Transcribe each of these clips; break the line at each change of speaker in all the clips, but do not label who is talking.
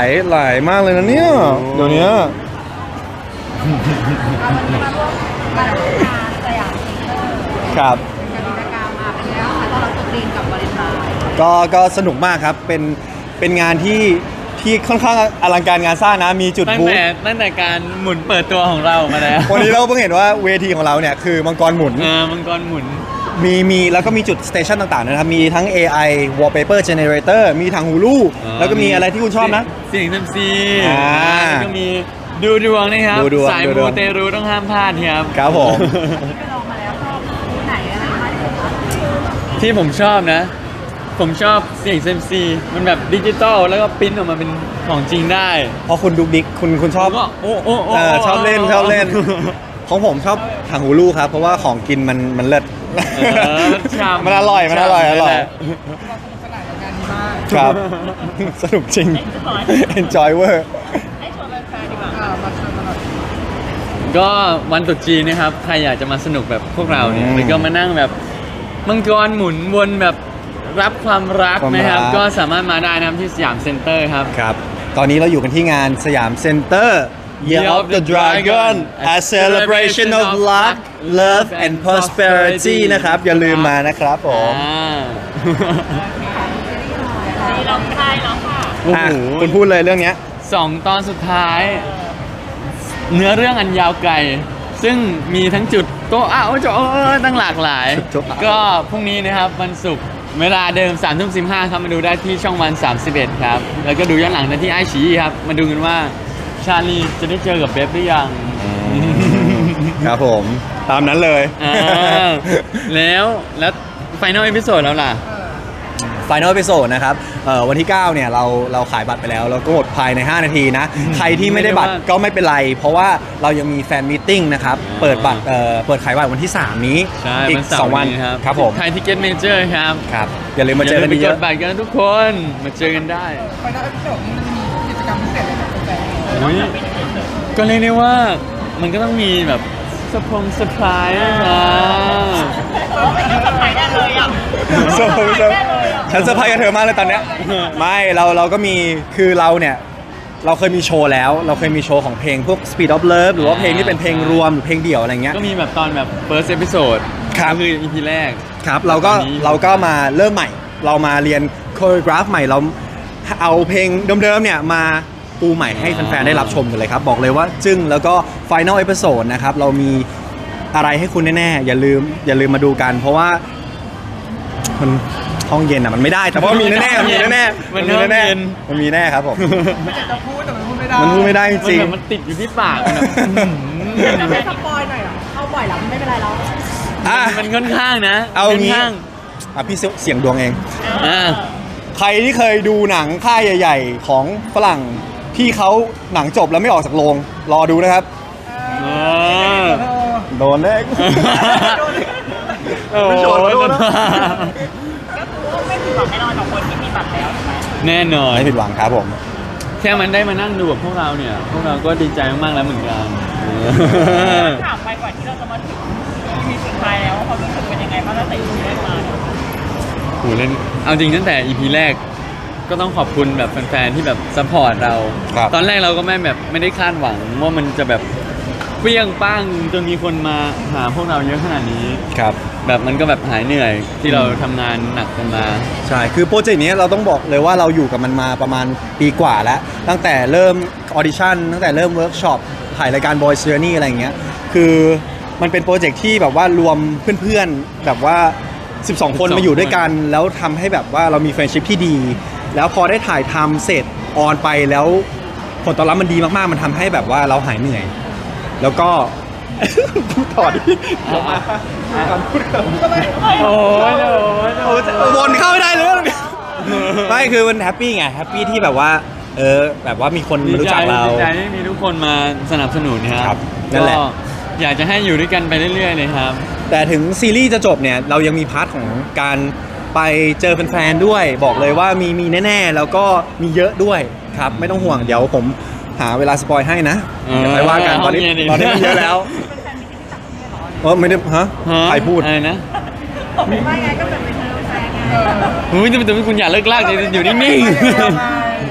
หลายมากเลยนะเนี่ยเดี๋ยวนี้
วันนี้มาร่วมงานสยามเซ็นเตอร์
ครับ
เป็นกิจกรรมมาเป็นแล้วค่ะตอนเราตกดินกับวาเลนไทน์
ก็สนุกมากครับเป็นงานที่ค่อนข้างอลังการงานสร้างนะมีจุด
ตั้ง
บูธ
แต่การหมุนเปิดตัวของเรามาแล้ว
วันนี้เราเพิ่งเห็นว่าเวทีของเราเนี่ยคือมังกรหมุน
มังกรหมุน
มีแล้วก็มีจุดสเตชันต่างๆนะครับ มีทั้ง AI wallpaper generator มีทางฮูลูแล้วก็มีอะไรที่คุณชอบนะ
เสียงเซมซี
แล้ว
ก็มีดูดวงนะครับ
ดูดวง
สาย
ดูด
มู
วง
เตรูต้องห้ามพลาดครับ
ครับผม
ไปลองมาแล้วชอบที่ไหนอะไรมากที่สุดคะ
ที่ผมชอบนะ ผมชอบเสียงเซมซีมันแบบดิจิตอลแล้วก็ปริ้นออกมาเป็นของจริงได้
เพราะคุณดุกดิกคุณชอบ
ก็โอ้โอ้โอ้
ชอบเล่นของผมชอบทางฮูลูครับเพราะว่าของกินมันเลิศ
มันฉ่ำ
มันอร่อย
ฉ่ำ
อร่อย
นั่นแหละ
ครับ สนุกจริง enjoy เวอร์
ก็วันตรุษจีนนะครับใครอยากจะมาสนุกแบบพวกเราเนี่ยแล้วก็มานั่งแบบมังกรหมุนวนแบบรับความรักนะครับก็สามารถมาได้นะครับที่สยามเซ็นเตอร์ครับ
ครับ ตอนนี้เราอยู่กันที่งานสยามเซ็นเตอร์ Year of the Dragon a celebration of luck love and prosperity นะครับ อย่าลืมมานะครับผม
นี่เราใช่แล้วค่ะ
โอ้โห
คุณพูดเลยเรื่องเนี้ย
2 ตอนสุดท้าย เนื้อเรื่องอันยาวไกล ซึ่งมีทั้งจุดโต๊ะอ้าวโจ๊ตั้งหลากหลาย ก็พรุ่งนี้นะครับวันศุกร์เวลาเดิม3:15ครับมาดูได้ที่ช่องวัน 31 ครับ แล้วก็ดูย้อนหลังได้ที่ไอชีครับ มาดูกันว่าชาลีจะได้เจอกับเบฟหรือยัง
ครับผม ตามนั้นเลย
แล้วไฟนอลเอพิโซดแล้วล่ะ
Final Episode นะครับวันที่ 9 เนี่ยเราขายบัตรไปแล้วเราก็หมดภายใน 5 นาทีนะ ใครที่ไม่ได้บัตรก็ไม่เป็นไร เพราะว่าเรายังมีแฟนมีตติ้งนะครับ เปิดบัตรเปิดขายบัตรวันที่ 3 นี้
ใช่
อีก
วันเสาร์
2 วัน
นี้ครับ
ครับผม
ไทยทิเก็ตเมเจอร์ครับ
ครับ อย่าลืมมาเจอกัน
ไป
เย
ก
อะ
ดบัตรกันทุกคนมาเจอกันได้
ไปได้พิเศษนี้มันมีกิจกรรมพิเศษอะไรกับแฟน
อุ๊ยก็เรียกได้ว่ามันก็ต้องมีแบบเซอร์ไพรส์นะ
สบายได้เลยอ่ะ
ฉันเซอร์ไพรส์กับเธอมากเลยตอนเนี้ย ไม่เราก็มีคือเราเนี่ยเราเคยมีโชว์แล้ว เราเคยมีโชว์ของเพลงพวก Speed of Love หรือว่าเพลงที่เป็นเพลงรวมหรือเพลงเดี่ยวอะไรเงี้ย
ก็มีแบบตอนแบบ first episode
ครับ
ก็คือ EP แรก
ครับเราก็มาเริ่มใหม่ เรามาเรียนโคโรกราฟใหม่เราเอาเพลงเดิมๆเนี่ยมาปูใหม่ให้แฟนๆได้รับชมกันเลยครับ บอกเลยว่าจึ้งแล้วก็ Final Episode นะครับเรามีอะไรให้คุณแน่ๆอย่าลืมมาดูกัน เพราะว่ามันห้องเย็นอ่ะมันไม่ได้แต่ว่ามีแน่ๆมีแน่ๆ
มัน
มีแน่
ห้องเย็น
มันมีแน่ครับผม
ไม่อยากจะพูดแต่มันพูดไม่ได้
มันพูดไม่ได้จ
มัน
ริง
แบบมันติดอยู่ที่ปากมันแบบ
จะให้สปอยหน่อยเหรอเข้าบ่อยแล้วไม่เป็นไรแล้ว
อ่ะ
มันค่อนข้างนะ
เอางี้
ค่นข้าง
อ่ะพี่เสียงดวงเอง
อ่า
ใครที่เคยดูหนังค่ายใหญ่ ๆ ของฝรั่งที่เขาหนังจบแล้วไม่ออกจากโรงรอดูนะครับ โดนแน่
โอ้
ไม่
โห
โดนไม่โดนนะ
ไม่ผิดหวังแน่นอนกับคนที่มีบัตรแล้ว
แน่นอน
ไม่ผิดหวังครับผม
แค่มันได้มานั่งดูกับพวกเราเนี่ย พวกเราก็ดีใจมากๆแล้วเหมือนกัน
ถามไปก่อนที่เราจะมาถึงมีสุดท้ายแล้วความรู้สึกเป็นยังไงบ้างตั้งแต่อยู่ได้มา
โหเล่นเอาจริงตั้งแต่ EP แรกก็ต้องขอบคุณแบบแฟนๆที่แบบซัพพอร์ตเรา
ครับ
ตอนแรกเราก็ไม่ได้คาดหวังว่ามันจะแบบเปรี้ยงป้างจนมีคนมาหาพวกเราเยอะขนาดนี้
ครับ
แบบมันก็แบบหายเหนื่อยที่เราทำงานหนักกันมา
ใช่ คือโปรเจกต์นี้เราต้องบอกเลยว่าเราอยู่กับมันมาประมาณปีกว่าแล้ว ตั้งแต่เริ่มออดิชั่นตั้งแต่เริ่มเวิร์กช็อปถ่ายรายการ Boys Journey อะไรอย่างเงี้ย คือมันเป็นโปรเจกต์ที่แบบว่ารวมเพื่อนๆ แบบว่า 12 คนมาอยู่ด้วยกัน แล้วทำให้แบบว่าเรามีเฟรนด์ชิพที่ดี แล้วพอได้ถ่ายทำเสร็จออนไปแล้วผลตอบรับมันดีมากๆ มันทำให้แบบว่าเราหายเหนื่อย แล้วก็ พูดต่อดิพูดต่อ
โอ้ย
วนเข้าไม่ได้เลย ไม่คือมันแฮปปี้ไงแฮปปี้ที่แบบว่าแบบว่ามีคนมารู้จักเรา
ดีใจที่มีทุกคนมาสนับสนุนค
ครั
รั
บบ นั่นแหละ
ก็อยากจะให้อยู่ด้วยกันไปเรื่อยๆเลยครับ
แต่ถึงซีรีส์จะจบเนี่ยเรายังมีพาร์ทของการไปเจอแฟนๆด้วย บอกเลยว่ามีแน่ๆแล้วก็มีเยอะด้วยครับไม่ต้องห่วงเดี๋ยวผมหาเวลาสปอยให้นะเดี๋ยวไปว่ากันตอนนี้มันเยอะแล้วไม่ได้ฮะใครพูด
อะไรนะ
ไม่ไงก็แบบเป็นแฟนไง
อุ้ยแต่คุณอย่าเลิกลากเลยอยู่นิ่ง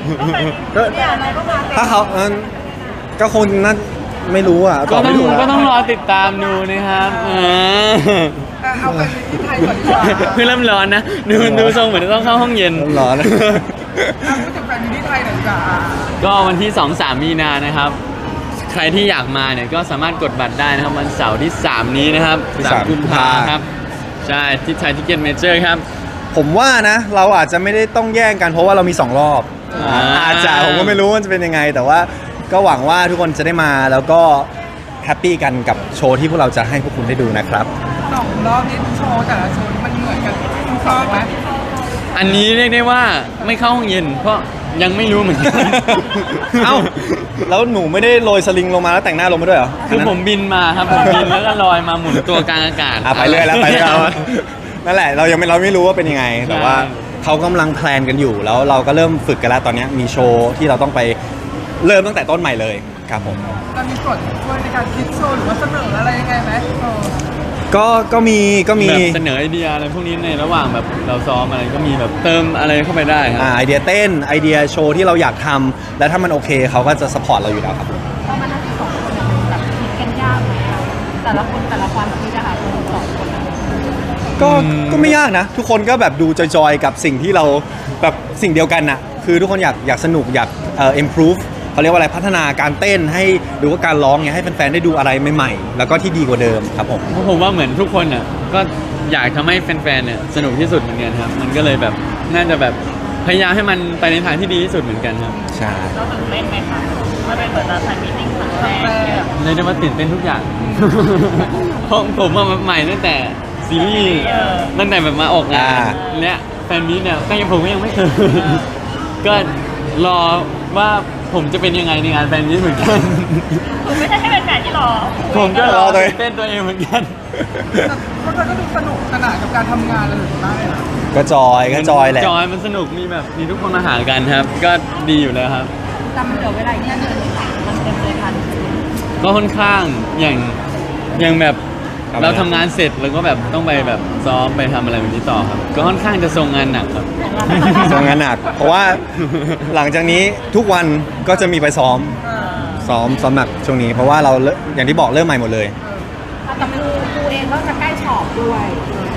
ก็
เนี่ยอะไรก็มาเต็ม
ถ้าเขาก็คงน่าไม่รู้อ่ะต
ก็
อบ
ต้อ
ไม่
ง
ถูก
ก็ต้อง
แล้ว
รอติดตามดูนะครับ
เอาไปที่ไทยก่อนดีกว่า
เพิ่งเริ่มร้อนนะดูทรงเหมือนจะต้องเข้าห้องเย็น
ร้อน
พูดถึงแฟนมิตรที่ไทยหน่อยดีกว่า
ก็วันที่ 2-3 มีนานะครับ ใครที่อยากมาเนี่ยก็สามารถกดบัตรได้นะครับวันเสาร์ที่ 3 นี้นะครับ
ที่
3
3
กุมภาครับ ใช่ที่ไทยทิเก็ตเมเจอร์ครับ
ผมว่านะเราอาจจะไม่ได้ต้องแย่งกันเพราะว่าเรามี2รอบ
อ่า
อาจจะผมก็ไม่รู้ว่าจะเป็นยังไง แต่ว่าก็หวังว่าทุกคนจะได้มาแล้วก็แฮปปี้กันกับโชว์ที่พวกเราจะให้พวกคุณได้ดูนะครับ
2 รอบนี้โชว์แต่ละโชว์มันเหมือนกันทุกรอบไหม
อันนี้เรียกได้ว่าไม่เข้าห้องเย็น เพราะยังไม่รู้เหมือนกัน
เอ้าแล้วหนูไม่ได้โรยสลิงลงมาแล้วแต่งหน้าลงมาด้วยเหรอ
คือผมบินมาครับผมบินแล้วก็ลอยมาหมุนตัวกลางอากาศ
ไปเรื่อยแล้วไปเรื่อยแล้วนั่นแหละเราไม่รู้ว่าเป็นยังไง แต่ว่าเขากำลังแพลนกันอยู่แล้วเราก็เริ่มฝึกกันแล้วตอนนี้มีโชว์ที่เราต้องไปเริ่มตั้งแต่ต้นใหม่เลยครับผม
เรามีส่วนช่วยในการคิดโชว์หรือว่าเสนออะไรยังไงไหม
ก็มี
แบบเสนอไอเดียอะไรพวกนี้ในระหว่างแบบเราซ้อมอะไรก็มีแบบเติมอะไรเข้าไปได้ครับ
ไอเดียเต้นไอเดียโชว์ที่เราอยากทำและถ้ามันโอเคเขาก็จะสปอร์ตเราอยู่แล้วครับ
เพราะมันทั้งสองคนเนี่ยมันแบบคิดกันยากไหมอะแต่ละคนแต่ละความคิดอะค่ะคนสองคนอะ
ก็ไม่ยากนะ ทุกคนก็แบบดูจอยๆกับสิ่งที่เราแบบสิ่งเดียวกันน่ะคือทุกคนอยากสนุกอยากimprove เขาเรียกว่าอะไรพัฒนาการเต้นให้หรือว่าการร้องเนี่ยให้แฟนๆได้ดูอะไรใหม่ๆแล้วก็ที่ดีกว่าเดิมครับผม
เพราะผมว่าเหมือนทุกคนอ่ะก็อยากทำให้แฟนๆเนี่ยสนุกที่สุดเหมือนกันครับ มันก็เลยแบบน่าจะแบบพยายามให้มันไปในทางที่ดีที่สุดเหมือนกันครับ
ใช่
เราตื่นเต้นไหมคะมันเป็นเหมือนเราถ่ายมิติ้งครั้งแรกที่แบบ
เลยได้มาตื่นเต้นทุกอย่าง เพราะผมว่าใหม่ตั้งแต่ซีรีส์ตั้งแต่แบบมาออกงานเนี่ยแฟนมีตเนี่ยก็ยังผมก็ยังไม่เคย ก็รอว่าผมจะเป็นยังไงในงานแฟนมีตเหมือนกัน
คือไม่ใช่แค่เป็นแฟนที่รอ
ผมก็รอตื่นเต้นตัวเองเหมือนกัน
แต่พวกเธอก็ดูสนุกสนานกับการทำงานเลยได้นะ
ก็จอยแหละ
จอยมันสนุกมีแบบมีทุกคนมาหากันครับ ก็ดีอยู่แล้วครับ
แต่มันเหลือเวลาอีกแค่เดือนนึงมันเต็มเลยทัน
ก็ค่อนข้างอย่างแบบเราทำงานเสร็จแล้วก็แบบต้องไปแบบซ้อมไปทำอะไรแบบนี้ต่อครับ ก็ค่อนข้างจะทรงงานหนักครับ
ทำงานหนัก เพราะว่าหลังจากนี้ทุกวันก็จะมีไปซ้อมหนักช่วงนี้ เพราะว่าเราอย่างที่บอกเริ่มใหม่หมดเลย
แต่ครูเองก็จะใกล้สอบด้วย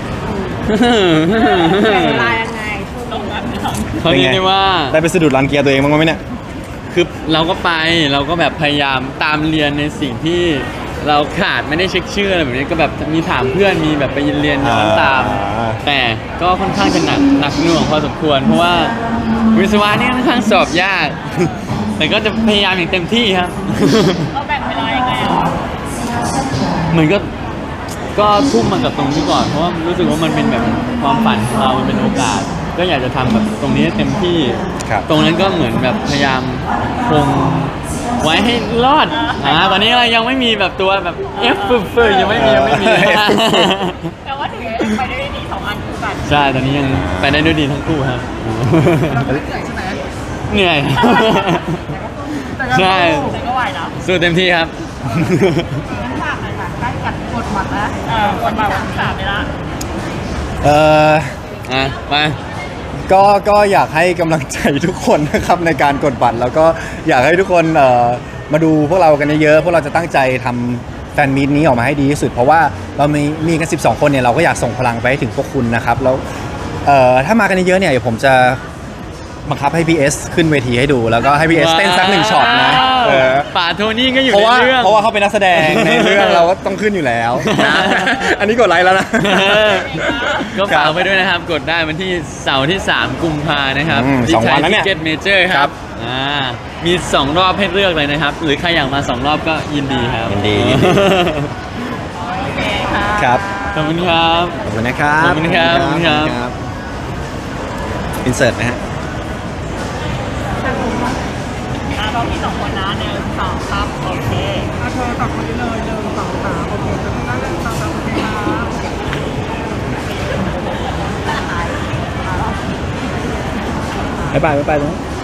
เวลายังไงตรงนั้น
เขาเรียกได้ว่า
ได้ไปสะดุดรันเกียร์ตัวเองบ้างไหมเนี่ย
คือเราก็ไปเราก็แบบพยายามตามเรียนในสิ่งที่เราขาดไม่ได้เช็คชื่ออะไรแบบนี้ก็แบบมีถามเพื่อนมีแบบไปเรียนย้อนตาม แต่ก็ค่อนข้างจะหนักหน่วงพอสมควร เพราะว่าวิศวะนี่ค่อนข้างสอบยาก แต่ก็จะพยายามอย่างเต็มที่ครับ
เราแบ่งเวลายังไงอ่ะ
เหมือนก็ทุ่มมากับตรงนี้ก่อนเพราะว่ารู้สึกว่ามันเป็นแบบความฝันของเรามันเป็นโอกาส ก็อยากจะทำแบบตรงนี้ให้เต็มที่
ครับ
ตรงนั้นก็เหมือนแบบพยายามคงไว้ให้รอดตอนนี้เรายังไม่มีแบบตัวแบบ F ฟืดๆยังไม่มี
แต่ว่าถึงไปได้ดี2 อันคู่กัน
ใช่ตอนนี้ยังไปได้ด้วยดีทั้งคู่ครับ
เราไม่ได้เหนื่อยใช่ไหม
เหนื่อย
แต่ก็
ใช่
แต่ก็ไหวนะ
สู้เต็มที่ครับ
งั้นฝากหน่อยค่ะใกล้กัดกดบัตรแล้วกดบัตรวันที่3ไปละ
ไป
ก็อยากให้กำลังใจทุกคนนะครับในการกดบัตรแล้วก็อยากให้ทุกคนมาดูพวกเรากันเยอะๆพวกเราจะตั้งใจทำแฟนมีตนี้ออกมาให้ดีที่สุด เพราะว่าเรามีกัน12 คนเนี่ยเราก็อยากส่งพลังไปให้ถึงพวกคุณนะครับแล้วถ้ามากันเยอะๆเนี่ยเดี๋ยวผมจะบังคับให้ PS ขึ้นเวทีให้ดู แล้วก็ให้ PS เต้นสัก1ช็อตนะ
ป่าโทนี่ก็อยู่
เพราะ
ใน
ว่า
เรื่อง
เขาเป็นนักแสดงในเรื่องเราก็ต้องขึ้นอยู่แล้วนะอันนี้กดไลค์แล้วนะ
ก็ฝากไปด้วยนะครับ กดได้วันที่เสาร์ที่ 3 กุมภานะครับ ที่
2 วันแล้วเนี่ย
เก็ตเมเจอร์ครับมี 2 รอบให้เลือกเลยนะครับ หรือใครอยากมา 2 รอบก็ยินดีครับ
ยินดี
โอเคค่ะ
ครับ
ขอบคุณครับ
ขอบคุณนะครับ
ขอบคุณครับ
อินเสิร์ตนะฮะ
รอบที่2 คนนะ1 2ครับโอเค
เธอตักคนนี้เลย1 2 3โอเคจะต้องได้1 2 3โอเคครับ
บ๊ายบายตรงนั้น